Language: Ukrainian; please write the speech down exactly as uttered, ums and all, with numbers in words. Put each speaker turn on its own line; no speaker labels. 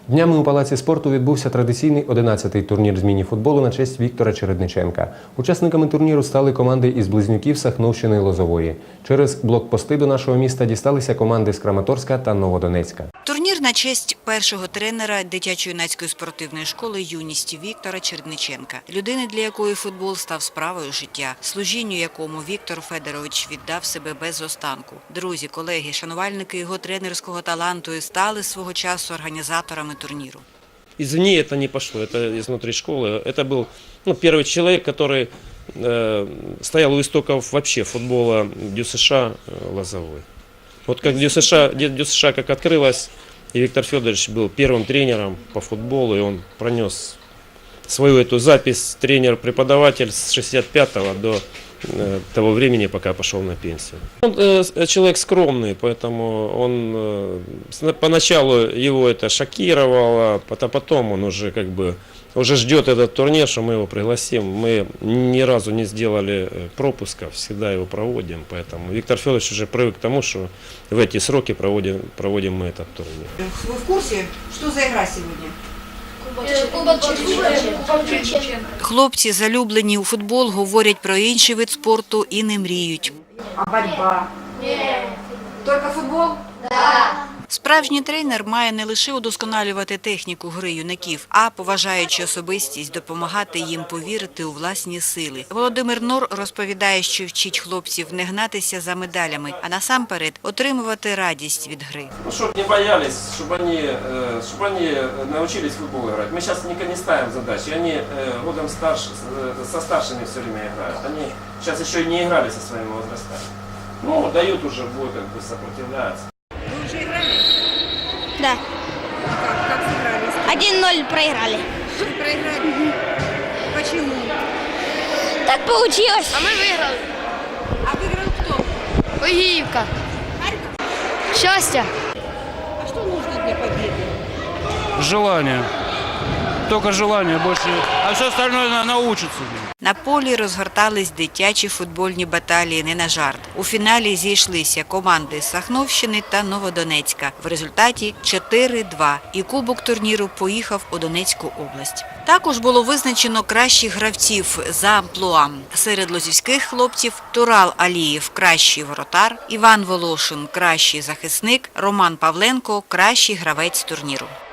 Днями у Палаці спорту відбувся традиційний одинадцятий турнір з міні-футболу на честь Віктора Чередниченка. Учасниками турніру стали команди із Близнюків, Сахновщини, Лозової. Через блокпости до нашого міста дісталися команди з Краматорська та Новодонецька.
Турнір на честь першого тренера дитячо-юнацької спортивної школи «Юність» Віктора Чередниченка. Людини, для якої футбол став справою життя, служінню якому Віктор Федорович віддав себе без останку. Друзі, колеги, шанувальники його тренерського таланту і стали свого часу організаторами турниру.
Извне это не пошло, это изнутри школы. Это был ну, первый человек, который э, стоял у истоков вообще футбола ДЮСШ э, Лозовой. Вот как ДЮСШ, ДЮСШ как открылась, и Виктор Федорович был первым тренером по футболу, и он пронес свою эту запись тренер-преподаватель с шестьдесят пятого до того времени, пока пошел на пенсию. Он э, человек скромный, поэтому он э, поначалу его это шокировало, а потом он уже как бы уже ждет этот турнир, что мы его пригласим. Мы ни разу не сделали пропусков, всегда его проводим, поэтому Виктор Федорович уже привык к тому, что в эти сроки проводим, проводим мы этот турнир.
Вы в курсе, что за игра сегодня? Хлопці, залюблені у футбол, говорять про інший вид спорту і не мріють.
А боротьба? Ні. Тільки футбол?
Так. Справжній тренер має не лише удосконалювати техніку гри юнаків, а, поважаючи особистість, допомагати їм повірити у власні сили. Володимир Нор розповідає, що вчить хлопців не гнатися за медалями, а насамперед отримувати радість від гри.
Ну, щоб не боялись, щоб вони, щоб вони навчились в футбол грати. Ми зараз не ставимо задачі, вони годом старше, со старшими все время грають. Вони зараз ще не грали со своїми возрастами. Ну, дають уже бой, как бы сопротивляются.
Вы уже играли?
Да.
Как, как сыграли?
один ноль проиграли.
Вы проиграли? Угу. Почему?
Так получилось.
А мы выиграли.
А выиграл кто?
Огиевка.
Харьков?
Счастье.
А что нужно для победы?
Желание. Только желание больше. А все остальное научится.
На полі розгортались дитячі футбольні баталії не на жарт. У фіналі зійшлися команди з Сахновщини та Новодонецька. В результаті чотири-два. І кубок турніру поїхав у Донецьку область. Також було визначено кращих гравців за амплуа. Серед лозівських хлопців Турал Алієв – кращий воротар, Іван Волошин – кращий захисник, Роман Павленко – кращий гравець турніру.